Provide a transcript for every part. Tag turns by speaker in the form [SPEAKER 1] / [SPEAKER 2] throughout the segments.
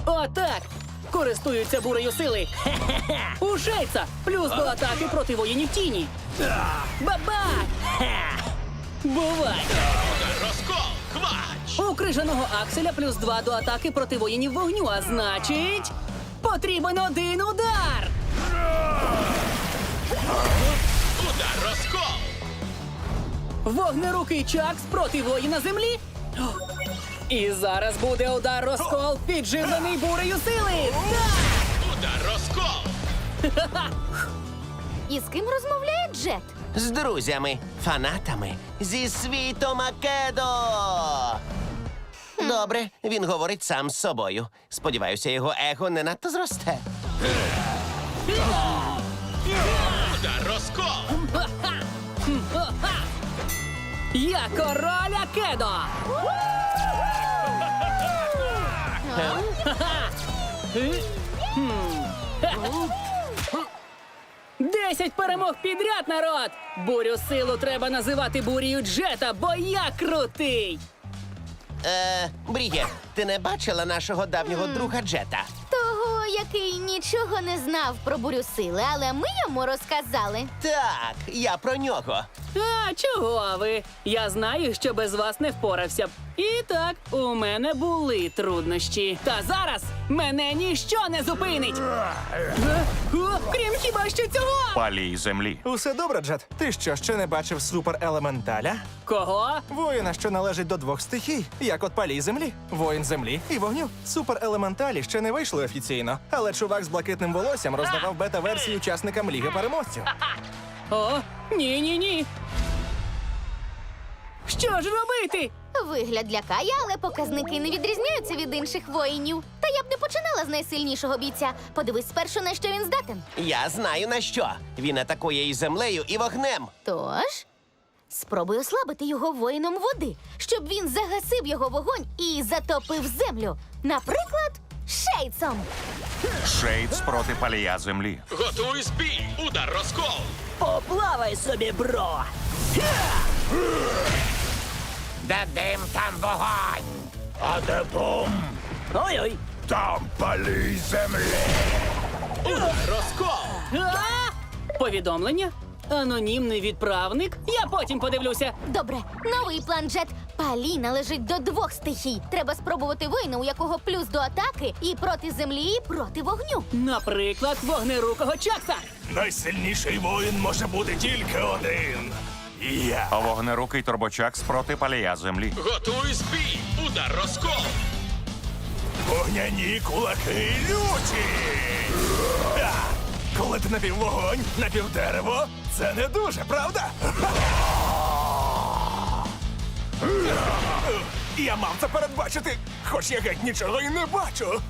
[SPEAKER 1] Отак! Користуються бурею сили. У Шейца плюс до атаки проти воїнів тіні. Бабах! Бувай!
[SPEAKER 2] Розкол! Квач!
[SPEAKER 1] У крижаного Акселя плюс 2 до атаки проти воїнів вогню, а значить... Потрібен один удар!
[SPEAKER 2] Удар розкол!
[SPEAKER 1] Вогнерукий Чакс проти воїна землі. І зараз буде удар розкол, підживлений бурею сили. Так!
[SPEAKER 2] Удар розкол!
[SPEAKER 3] І з ким розмовляє Джет?
[SPEAKER 4] З друзями, фанатами, зі світу Македо. Добре, він говорить сам з собою. Сподіваюся, його его не надто зросте.
[SPEAKER 2] Удар розкол!
[SPEAKER 1] Я король Акедо! 10 перемог підряд, народ! Бурю силу треба називати бурію Джета, бо я крутий!
[SPEAKER 4] Бріє, ти не бачила нашого давнього друга Джета?
[SPEAKER 3] Того, який нічого не знав про бурю сили, але ми йому розказали.
[SPEAKER 4] Так, я про нього.
[SPEAKER 1] А, чого ви? Я знаю, що без вас не впорався б. І так, у мене були труднощі. Та зараз мене ніщо не зупинить! Крім хіба що цього!
[SPEAKER 5] Палій землі.
[SPEAKER 6] Усе добре, Джет? Ти що, ще не бачив суперелементаля?
[SPEAKER 1] Кого?
[SPEAKER 6] Воїна, що належить до двох стихій, як от палій землі, воїн землі і вогню. Суперелементалі ще не вийшли офіційно, але чувак з блакитним волоссям роздавав бета-версії учасникам Ліги переможців.
[SPEAKER 1] О, ні-ні-ні! Що ж робити?
[SPEAKER 3] Вигляд лякає, але показники не відрізняються від інших воїнів. Та я б не починала з найсильнішого бійця. Подивись спершу, на що він здатен.
[SPEAKER 4] Я знаю на що. Він атакує і землею, і вогнем.
[SPEAKER 3] Тож, спробуй ослабити його воїном води, щоб він загасив його вогонь і затопив землю. Наприклад, Шейдсом.
[SPEAKER 5] Шейдс проти палія землі.
[SPEAKER 2] Готуй бій! Удар розкол!
[SPEAKER 1] Поплавай собі, бро!
[SPEAKER 2] Де дим, там вогонь! А де бум?
[SPEAKER 1] Ой-ой!
[SPEAKER 2] Там палій землі! Удар розкол!
[SPEAKER 1] А! Повідомлення? Анонімний відправник? Я потім подивлюся.
[SPEAKER 3] Добре, новий план Джет. Палій належить до двох стихій. Треба спробувати воїна, у якого плюс до атаки і проти землі, і проти вогню.
[SPEAKER 1] Наприклад, вогнерукого Чакса.
[SPEAKER 2] Найсильніший воїн може бути тільки один. Я.
[SPEAKER 5] Вогнерукий турбочакс проти палія землі.
[SPEAKER 2] Готуй бій! Удар розкол! Вогняні кулаки люті! Коли ти напіввогонь, напівдерево, це не дуже, правда? Я мав це передбачити, хоч я геть нічого і не бачу.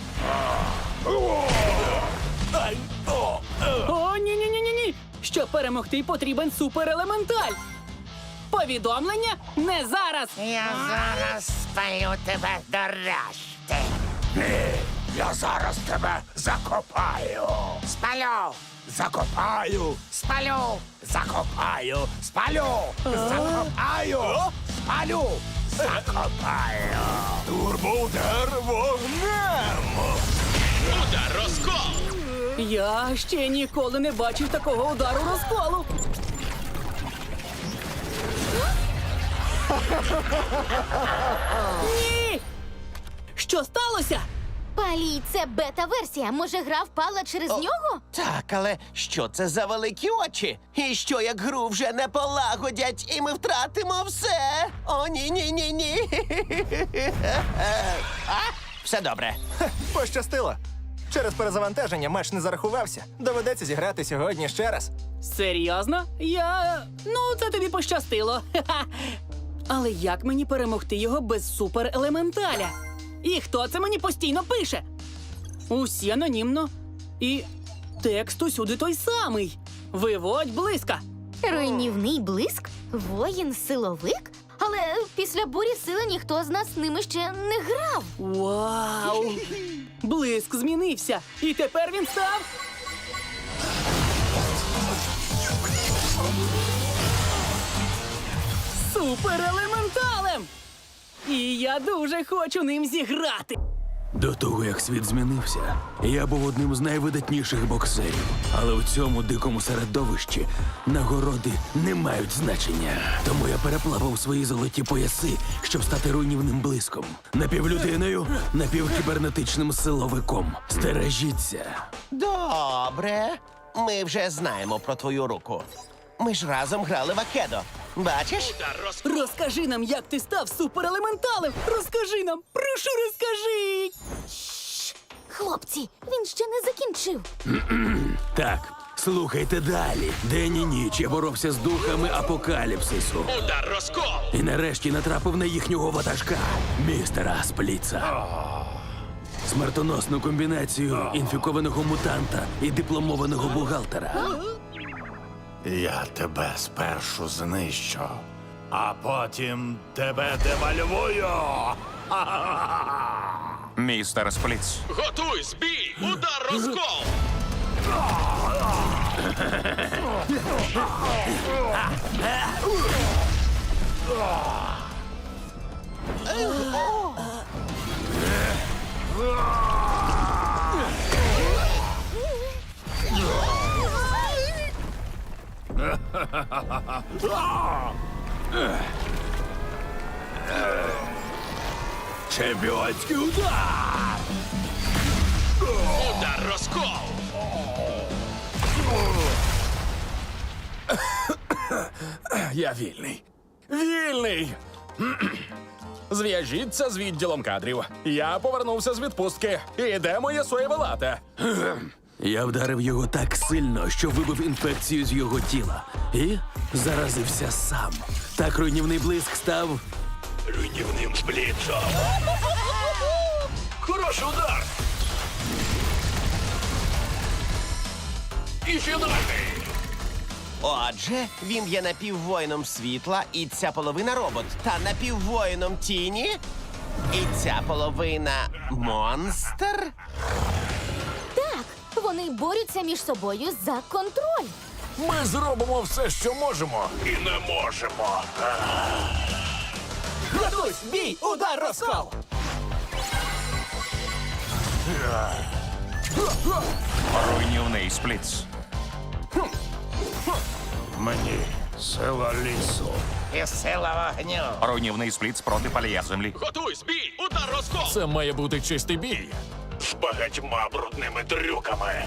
[SPEAKER 1] О, ні-ні-ні-ні-ні! Щоб перемогти, потрібен суперелементаль. Повідомлення не зараз.
[SPEAKER 7] Я зараз спалю тебе до решти.
[SPEAKER 2] Я зараз тебе закопаю.
[SPEAKER 7] Спалю,
[SPEAKER 2] Закопаю.
[SPEAKER 7] спалю,
[SPEAKER 2] Закопаю. Спалю. Закопаю. Спалю. Закопаю. Турбоудар вогнем. Удар розкол.
[SPEAKER 1] Я ще ніколи не бачив такого удару розколу. Ні! Що сталося?
[SPEAKER 3] Палій — це бета-версія. Може, гра впала через нього?
[SPEAKER 4] Так, але що це за великі очі? І що, як гру вже не полагодять, і ми втратимо все? О, ні-ні-ні-ні. Все добре.
[SPEAKER 6] Пощастило. Через перезавантаження матч не зарахувався. Доведеться зіграти сьогодні ще раз.
[SPEAKER 1] Серйозно? Ну, це тобі пощастило. Ха-ха. Але як мені перемогти його без суперелементаля? І хто це мені постійно пише? Усі анонімно. І текст усюди той самий. Виводь близька.
[SPEAKER 3] Руйнівний блиск? Воїн-силовик? Але після бурі сили ніхто з нас з ними ще не грав.
[SPEAKER 1] Вау! Блиск змінився. І тепер він став... суперелементалем! І я дуже хочу ним зіграти.
[SPEAKER 8] До того, як світ змінився, я був одним з найвидатніших боксерів. Але у цьому дикому середовищі нагороди не мають значення. Тому я переплавав свої золоті пояси, щоб стати руйнівним блиском. Напівлюдиною, напівкібернетичним силовиком. Стережіться.
[SPEAKER 4] Добре. Ми вже знаємо про твою руку. Ми ж разом грали в Акедо. Бачиш?
[SPEAKER 1] Розкажи нам, як ти став суперелементалем! Розкажи нам! Прошу, розкажи!
[SPEAKER 3] Хлопці, він ще не закінчив.
[SPEAKER 8] Так, слухайте далі. День і ніч я боровся з духами апокаліпсису.
[SPEAKER 2] Удар розкол!
[SPEAKER 8] І нарешті натрапив на їхнього ватажка, містера Спліца. Смертоносну комбінацію інфікованого мутанта і дипломованого бухгалтера.
[SPEAKER 2] Я тебе спершу знищу, а потім тебе девальвую.
[SPEAKER 5] Містер Спліц.
[SPEAKER 2] Готуй збій! Удар розкол!
[SPEAKER 8] Чемпіонський удар!
[SPEAKER 2] Удар розкол!
[SPEAKER 9] Я вільний. Вільний! Зв'яжіться з відділом кадрів. Я повернувся з відпустки. І де моє соєве лате?
[SPEAKER 8] Я вдарив його так сильно, що вибив інфекцію з його тіла. І заразився сам. Так руйнівний блиск став
[SPEAKER 2] Руйнівним сплітом. Хороший удар! І фінальний!
[SPEAKER 4] Отже, він є напіввоїном світла, і ця половина робот, та напіввоїном тіні, і ця половина монстр.
[SPEAKER 3] Так, вони борються між собою за контроль.
[SPEAKER 9] Ми зробимо все, що можемо.
[SPEAKER 2] І не можемо.
[SPEAKER 1] Готуйсь! Бій! Удар розкол!
[SPEAKER 5] Руйнівний Спліц.
[SPEAKER 2] Мені сила лісу.
[SPEAKER 7] І сила вогню.
[SPEAKER 5] Руйнівний Спліц проти палія землі.
[SPEAKER 2] Готуй збій! Удар розкол!
[SPEAKER 9] Це має бути чистий бій.
[SPEAKER 2] З багатьма брудними трюками.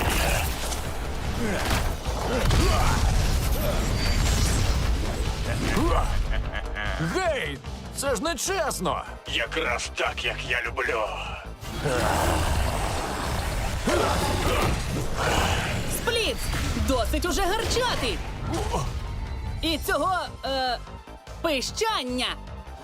[SPEAKER 9] Гей! Це ж не чесно!
[SPEAKER 2] Якраз так, як я люблю.
[SPEAKER 1] Спліц! Досить уже гарчати! І цього, пищання!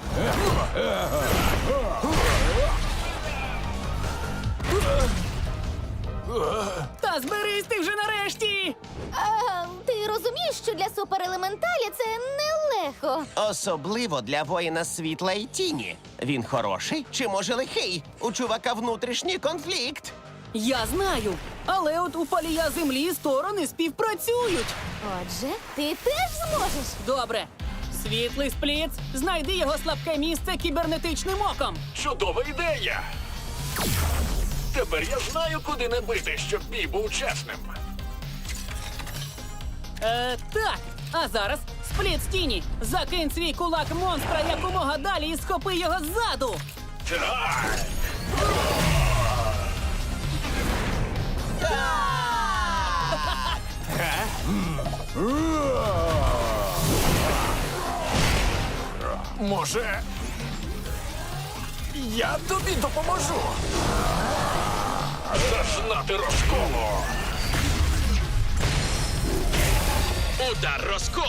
[SPEAKER 1] Та зберись ти вже нарешті!
[SPEAKER 3] Ти розумієш, що для суперелементаля це нелегко.
[SPEAKER 4] Особливо для воїна світла і тіні. Він хороший чи може лихий? У чувака внутрішній конфлікт.
[SPEAKER 1] Я знаю, але от у палія землі сторони співпрацюють.
[SPEAKER 3] Отже, ти теж зможеш.
[SPEAKER 1] Добре. Світлий Спліц, знайди його слабке місце кібернетичним оком.
[SPEAKER 2] Чудова ідея! Тепер я знаю, куди не бити, щоб бій був чесним.
[SPEAKER 1] Так. А зараз Спліц тіні. Закинь свій кулак монстра якомога далі і схопи його ззаду.
[SPEAKER 2] Так!
[SPEAKER 9] Може, я тобі допоможу.
[SPEAKER 2] Зазнати розколу! Удар розкол!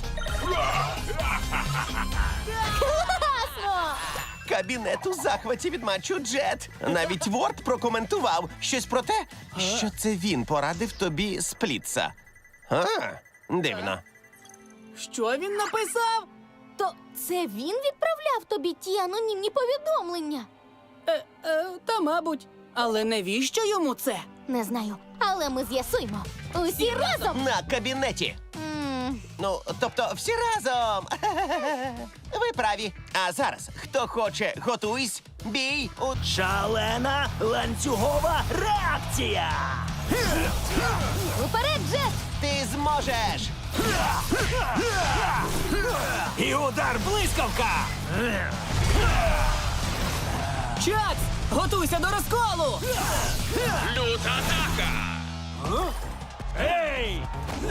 [SPEAKER 3] Класно!
[SPEAKER 4] Кабінет у захваті від матчу Джет. Навіть Ворд прокоментував щось про те, що це він порадив тобі Сплітса. А, дивно.
[SPEAKER 1] Що він написав?
[SPEAKER 3] То це він відправляв тобі ті анонімні повідомлення?
[SPEAKER 1] Та мабуть. Але навіщо йому це?
[SPEAKER 3] Не знаю, але ми з'ясуємо. Усі разом!
[SPEAKER 4] На кабінеті. Ну, тобто всі разом. Ви праві. А зараз, хто хоче, готуйсь, бій у...
[SPEAKER 8] Шалена ланцюгова реакція!
[SPEAKER 3] Уперед, Джет!
[SPEAKER 4] Ти зможеш!
[SPEAKER 8] І удар блискавка!
[SPEAKER 1] Чакс, готуйся до розколу!
[SPEAKER 2] Люта атака!
[SPEAKER 8] Ей!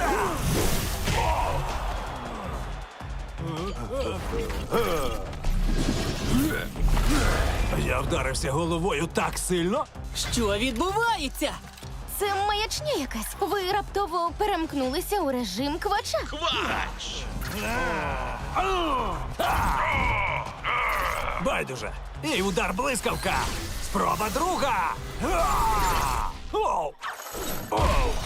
[SPEAKER 8] Я вдарився головою так сильно.
[SPEAKER 1] Що відбувається?
[SPEAKER 3] Це маячня якась. Ви раптово перемкнулися у режим квача.
[SPEAKER 2] Квач!
[SPEAKER 8] Байдуже. І удар блискавка. Спроба друга. А! Оу! Оу!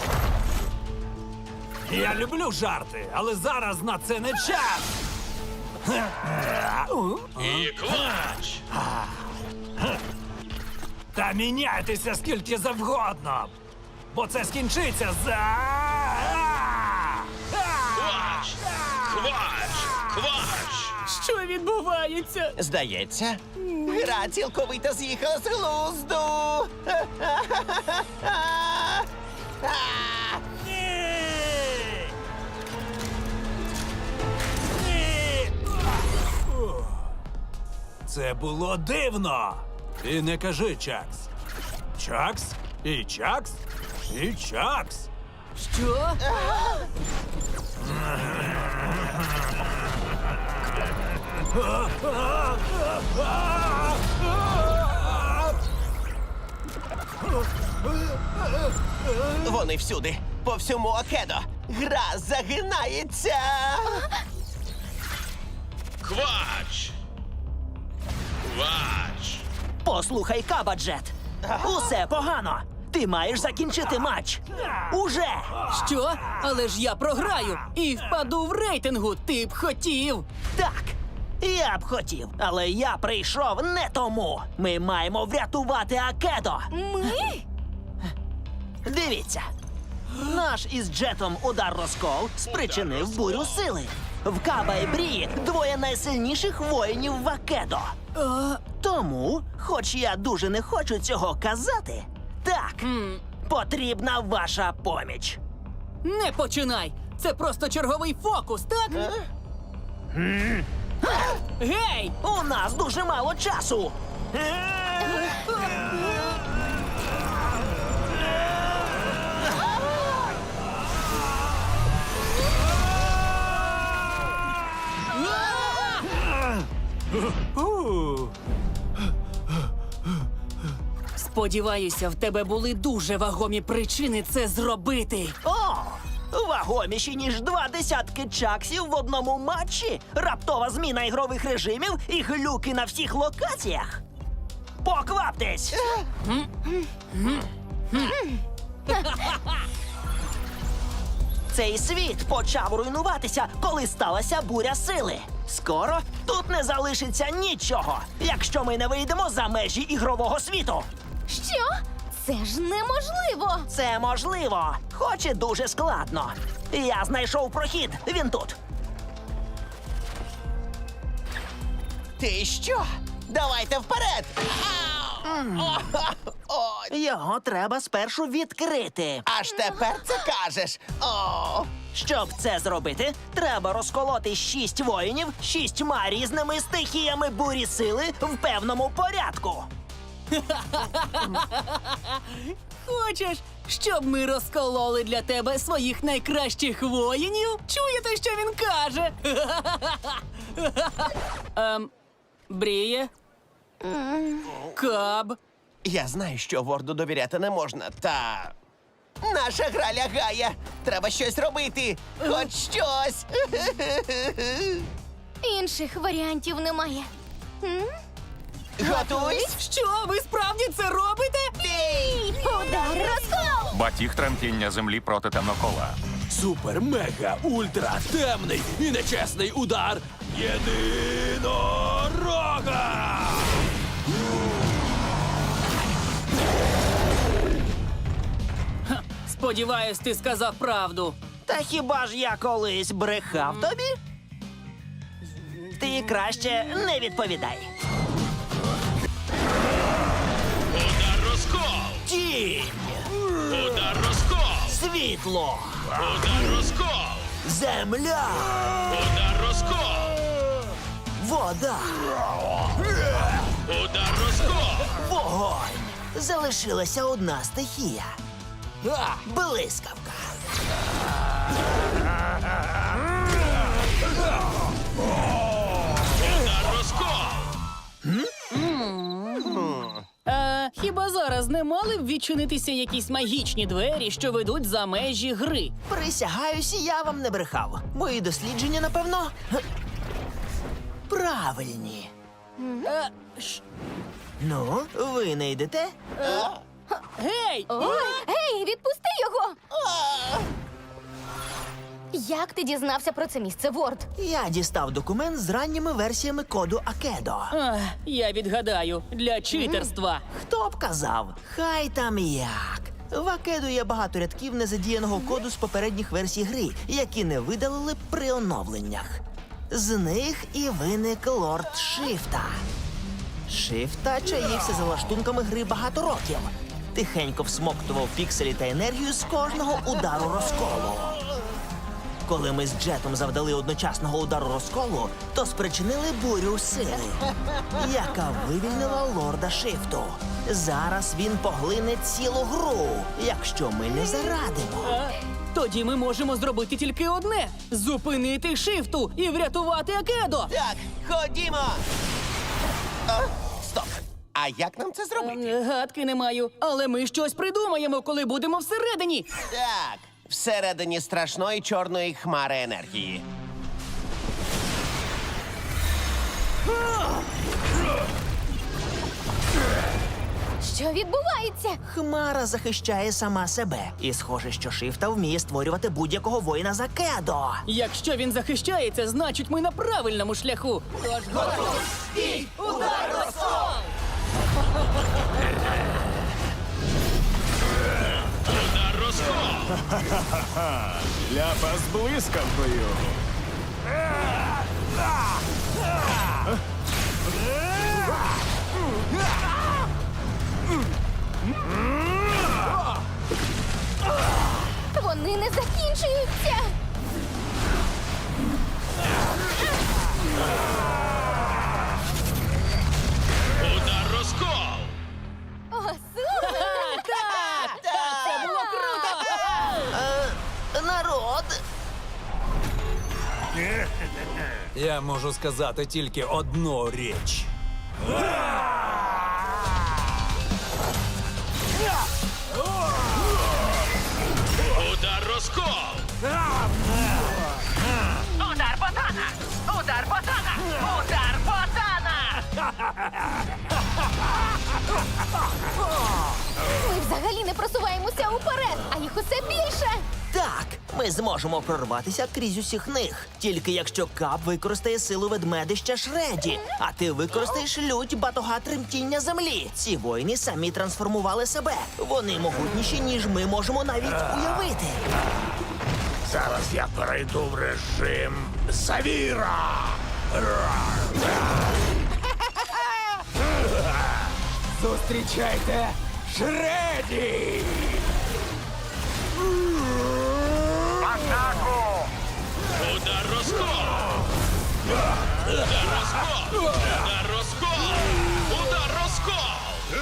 [SPEAKER 8] Я люблю жарти, але зараз на це не час.
[SPEAKER 2] І квач!
[SPEAKER 8] Та міняйтеся скільки завгодно, бо це скінчиться за.
[SPEAKER 2] Квач! Квач! Квач!
[SPEAKER 1] Що відбувається?
[SPEAKER 4] Здається, гра цілковито з'їхала з глузду.
[SPEAKER 8] Ні! Ні! Це було дивно. І не кажи Чакс. Чакс, і Чакс, і Чакс.
[SPEAKER 1] Що?
[SPEAKER 4] Вони всюди, по всьому Окедо. Гра загинається.
[SPEAKER 2] Квач! Квач!
[SPEAKER 10] Послухай, Кабаджет. Усе погано. Ти маєш закінчити матч. Уже!
[SPEAKER 1] Що? Але ж я програю і впаду в рейтингу. Ти б хотів.
[SPEAKER 10] Так. Я б хотів, але я прийшов не тому. Ми маємо врятувати Акедо.
[SPEAKER 3] Ми?
[SPEAKER 10] Дивіться. Наш із Джетом удар-розкол спричинив бурю сили. В Каба і Брії двоє найсильніших воїнів в Акедо. Тому, хоч я дуже не хочу цього казати, так, потрібна ваша поміч.
[SPEAKER 1] Не починай! Це просто черговий фокус, так? Гей!
[SPEAKER 10] У нас дуже мало часу.
[SPEAKER 1] Сподіваюся, в тебе були дуже вагомі причини це зробити.
[SPEAKER 10] О! Вагоміші, ніж 20 чаксів в одному матчі, раптова зміна ігрових режимів і глюки на всіх локаціях. Покваптесь! Цей світ почав руйнуватися, коли сталася буря сили. Скоро тут не залишиться нічого, якщо ми не вийдемо за межі ігрового світу.
[SPEAKER 3] Що? Це ж неможливо.
[SPEAKER 10] Це можливо, хоч і дуже складно. Я знайшов прохід, він тут.
[SPEAKER 4] Ти що? Давайте вперед!
[SPEAKER 10] Його треба спершу відкрити.
[SPEAKER 4] Аж тепер це кажеш. О!
[SPEAKER 10] Щоб це зробити, треба розколоти 6 воїнів 6 різними стихіями бурі сили в певному порядку.
[SPEAKER 1] Хочеш, щоб ми розкололи для тебе своїх найкращих воїнів? Чуєте, що він каже? Бріє? Каб?
[SPEAKER 4] Я знаю, що Ворду довіряти не можна, та. Наша гра лягає. Треба щось робити. Хоч щось.
[SPEAKER 3] Інших варіантів немає.
[SPEAKER 4] Готуйсь.
[SPEAKER 1] Що, ви справді це робите?
[SPEAKER 3] Бій! Удар розкол!
[SPEAKER 5] Батіг тремтіння землі проти темнокола.
[SPEAKER 8] Супер, мега, ультра, темний і нечесний удар єдинорога!
[SPEAKER 1] Сподіваюсь, ти сказав правду.
[SPEAKER 10] Та хіба ж я колись брехав тобі? Ти краще не відповідай.
[SPEAKER 2] Удар розкол!
[SPEAKER 10] Тінь!
[SPEAKER 2] Удар розкол!
[SPEAKER 10] Світло!
[SPEAKER 2] Удар розкол!
[SPEAKER 10] Земля!
[SPEAKER 2] Удар розкол!
[SPEAKER 10] Вода!
[SPEAKER 2] Удар розкол!
[SPEAKER 10] Вогонь! Залишилася одна стихія. Блискавка!
[SPEAKER 2] Удар розкол!
[SPEAKER 1] Хіба зараз не мали б відчинитися якісь магічні двері, що ведуть за межі гри?
[SPEAKER 10] Присягаюся, я вам не брехав. Мої дослідження, напевно, правильні. Ну, ви не йдете?
[SPEAKER 1] Гей!
[SPEAKER 3] Гей, відпусти його! Як ти дізнався про це місце, Ворд?
[SPEAKER 10] Я дістав документ з ранніми версіями коду Акедо.
[SPEAKER 1] Я відгадаю, для читерства.
[SPEAKER 10] Хто б казав? Хай там як. В Акедо є багато рядків незадіяного коду з попередніх версій гри, які не видалили при оновленнях. З них і виник Лорд Шифта. Шифта чаївся за лаштунками гри багато років. Тихенько всмоктував пікселі та енергію з кожного удару розколу. Коли ми з Джетом завдали одночасного удару розколу, то спричинили бурю сили, яка вивільнила Лорда Шифту. Зараз він поглине цілу гру, якщо ми не зарадимо.
[SPEAKER 1] Тоді ми можемо зробити тільки одне: зупинити Шифту і врятувати Акедо.
[SPEAKER 4] Так, ходімо! О, стоп! А як нам це зробити?
[SPEAKER 1] Гадки не маю, але ми щось придумаємо, коли будемо всередині.
[SPEAKER 4] Так, всередині страшної чорної хмари енергії.
[SPEAKER 3] Що відбувається?
[SPEAKER 10] Хмара захищає сама себе. І схоже, що Шифта вміє створювати будь-якого воїна з Акедо.
[SPEAKER 1] Якщо він захищається, значить ми на правильному шляху. Тож готові! Стій! Удар розкол!
[SPEAKER 2] Удар розкол!
[SPEAKER 9] Ляпа з блискавкою.
[SPEAKER 3] Вони не закінчуються!
[SPEAKER 2] Удар розкол!
[SPEAKER 3] О, супер!
[SPEAKER 1] Так! Це було круто!
[SPEAKER 10] Народ!
[SPEAKER 8] Я можу сказати тільки одну річ.
[SPEAKER 2] Удар розкол!
[SPEAKER 7] Удар ботана! Удар ботана! Удар ботана!
[SPEAKER 3] Ми взагалі не просуваємося уперед, а їх усе більше!
[SPEAKER 10] Так, ми зможемо прорватися крізь усіх них. Тільки якщо Кап використає силу ведмедища Шреді, а ти використаєш лють батога тремтіння землі. Ці воїни самі трансформували себе. Вони могутніші, ніж ми можемо навіть уявити.
[SPEAKER 9] Зараз я перейду в режим Савіра. Зустрічайте Шреді!
[SPEAKER 2] Удар розкол! Удар розкол! Удар розкол! Удар розкол!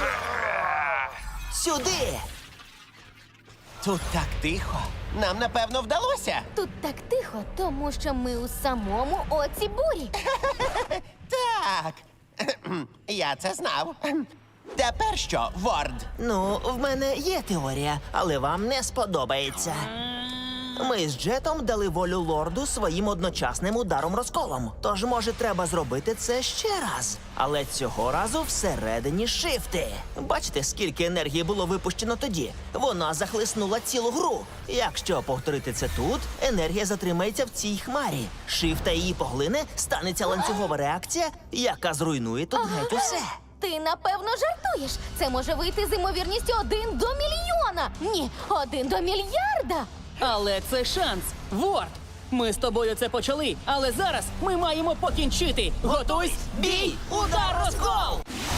[SPEAKER 10] Сюди!
[SPEAKER 4] Тут так тихо. Нам, напевно, вдалося.
[SPEAKER 3] Тут так тихо, тому що ми у самому оці бурі.
[SPEAKER 4] Так. Я це знав. Тепер що, Ворд?
[SPEAKER 10] Ну, в мене є теорія, але вам не сподобається. Ми з Джетом дали волю лорду своїм одночасним ударом розколом. Тож, може, треба зробити це ще раз. Але цього разу всередині Шифти. Бачите, скільки енергії було випущено тоді? Вона захлиснула цілу гру. Якщо повторити це тут, енергія затримається в цій хмарі. Шифта її поглине, станеться ланцюгова реакція, яка зруйнує тут геть усе.
[SPEAKER 3] Ти, напевно, жартуєш. Це може вийти з імовірністю 1 до мільйона. Ні, 1 до мільярда.
[SPEAKER 1] Але це шанс. Ворд! Ми з тобою це почали, але зараз ми маємо покінчити. Готуйсь!
[SPEAKER 10] Бій! Удар розкол!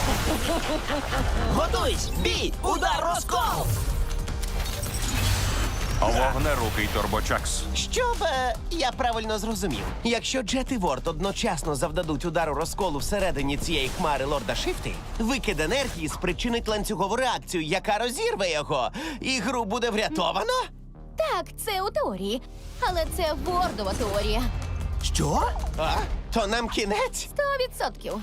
[SPEAKER 10] Готуйсь! Бій! Удар розкол!
[SPEAKER 5] Вогнерукий турбочакс.
[SPEAKER 4] Щоб я правильно зрозумів, якщо Джет і Ворд одночасно завдадуть удару розколу всередині цієї хмари лорда Шифти, викид енергії спричинить ланцюгову реакцію, яка розірве його, і гру буде врятовано?
[SPEAKER 3] Так, це у теорії. Але це Вордова теорія.
[SPEAKER 10] Що?
[SPEAKER 4] А? То нам кінець?
[SPEAKER 3] 100%.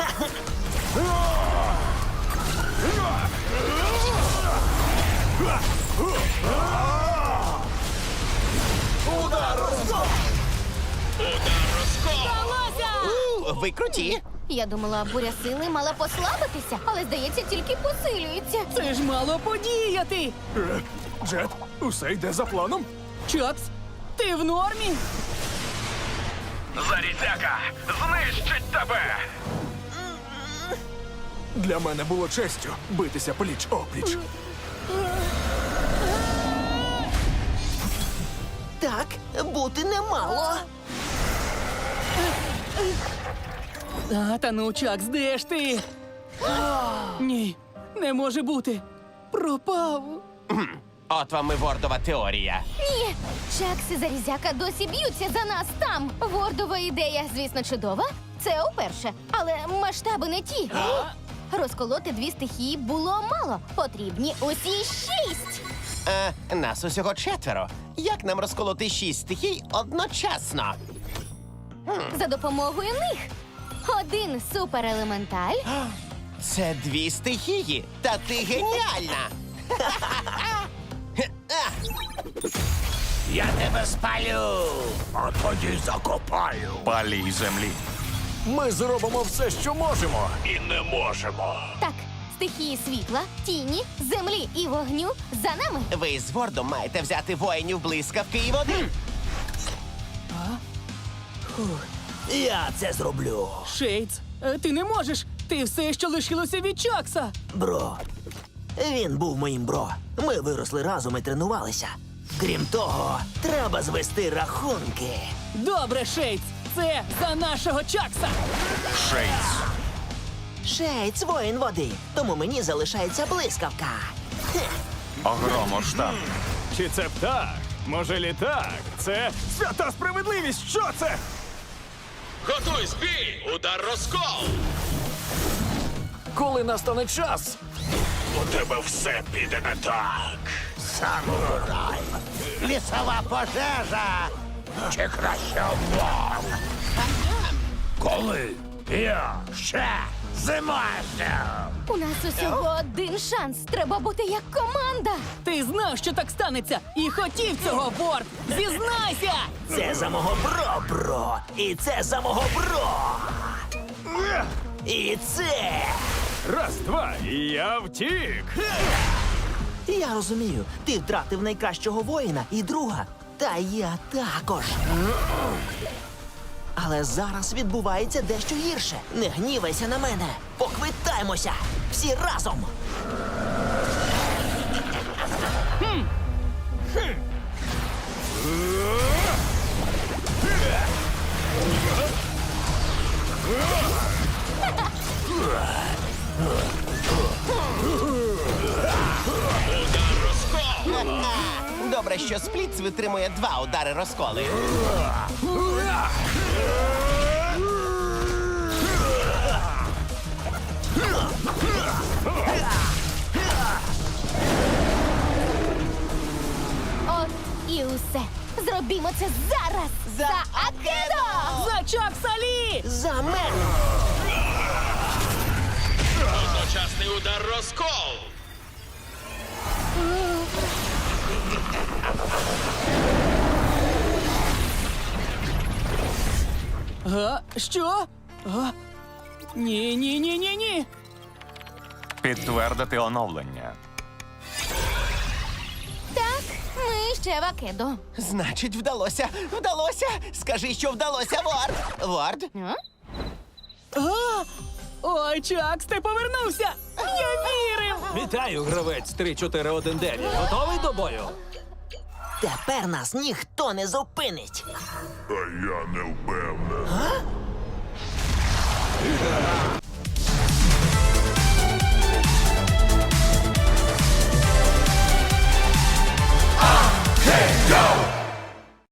[SPEAKER 4] Ви круті.
[SPEAKER 3] Я думала, буря сили мала послабитися, але здається, тільки посилюється.
[SPEAKER 1] Це ж мало подіяти!
[SPEAKER 9] Джет, усе йде за планом?
[SPEAKER 1] Чакс, ти в нормі?
[SPEAKER 2] Зарідяка! Знищить тебе!
[SPEAKER 9] Для мене було честю битися пліч-опліч.
[SPEAKER 10] Так, бути немало.
[SPEAKER 1] Та ну, Чакс, де ж ти? Ні, не може бути. Пропав.
[SPEAKER 4] От вам і Вордова теорія.
[SPEAKER 3] Ні, Чакс і Зарізяка досі б'ються за нас там. Вордова ідея, звісно, чудова. Це уперше, але масштаби не ті. Розколоти дві стихії було мало. Потрібні усі 6.
[SPEAKER 4] Нас усього 4. Як нам розколоти 6 стихій одночасно?
[SPEAKER 3] За допомогою них. Один суперелементаль,
[SPEAKER 4] Це 2 стихії, та ти геніальна!
[SPEAKER 7] Я тебе спалю, а тоді закопаю.
[SPEAKER 5] Палій землі.
[SPEAKER 9] Ми зробимо все, що можемо.
[SPEAKER 2] І не можемо.
[SPEAKER 3] так, стихії світла, тіні, землі і вогню за нами.
[SPEAKER 4] Ви з Вордом маєте взяти воїнів блискавки і води.
[SPEAKER 10] Я це зроблю.
[SPEAKER 1] Шейдс, ти не можеш. Ти все, що лишилося від Чакса.
[SPEAKER 10] Бро. Він був моїм бро. Ми виросли разом і тренувалися. Крім того, треба звести рахунки.
[SPEAKER 1] Добре, Шейдс, це за нашого Чакса.
[SPEAKER 5] Шейдс.
[SPEAKER 10] Шейц воїн води, тому мені залишається блискавка.
[SPEAKER 5] Огромоштаб.
[SPEAKER 9] Чи це птах? Може, літак? Це свята справедливість! Що це?
[SPEAKER 2] Готуй бій! Удар розкол!
[SPEAKER 9] Коли настане час?
[SPEAKER 2] У тебе все піде не так.
[SPEAKER 7] Самурай. Лісова пожежа. Чи краще облом? Коли я ще зможу.
[SPEAKER 3] У нас усього один шанс. Треба бути як команда.
[SPEAKER 1] Ти знав, що так станеться, і хотів цього, Ворд. Зізнайся!
[SPEAKER 10] Це за мого бро. І це за мого бро. І це.
[SPEAKER 9] Раз, два, і я втік.
[SPEAKER 10] Я розумію, ти втратив найкращого воїна і друга. Та я також. Але зараз відбувається дещо гірше. Не гнівайся на мене. Поквитаємося. Всі разом.
[SPEAKER 4] Добре, що Сплітс витримує 2 удари розколи.
[SPEAKER 3] От і усе. Зробімо це зараз. За Акедо!
[SPEAKER 1] За Чакса Лі!
[SPEAKER 10] За мене.
[SPEAKER 2] Одночасний удар розкол!
[SPEAKER 1] Що? Ні.
[SPEAKER 5] Підтвердити оновлення.
[SPEAKER 3] Так, ми ще в Акедо.
[SPEAKER 4] Значить, вдалося. Вдалося. Скажи, що вдалося, Ворд. Ворд?
[SPEAKER 1] Ой, Чакс, ти повернувся! Я вірив!
[SPEAKER 8] Вітаю, гравець 3419. Готовий до бою?
[SPEAKER 10] Тепер нас ніхто не зупинить.
[SPEAKER 2] А я не впевнений.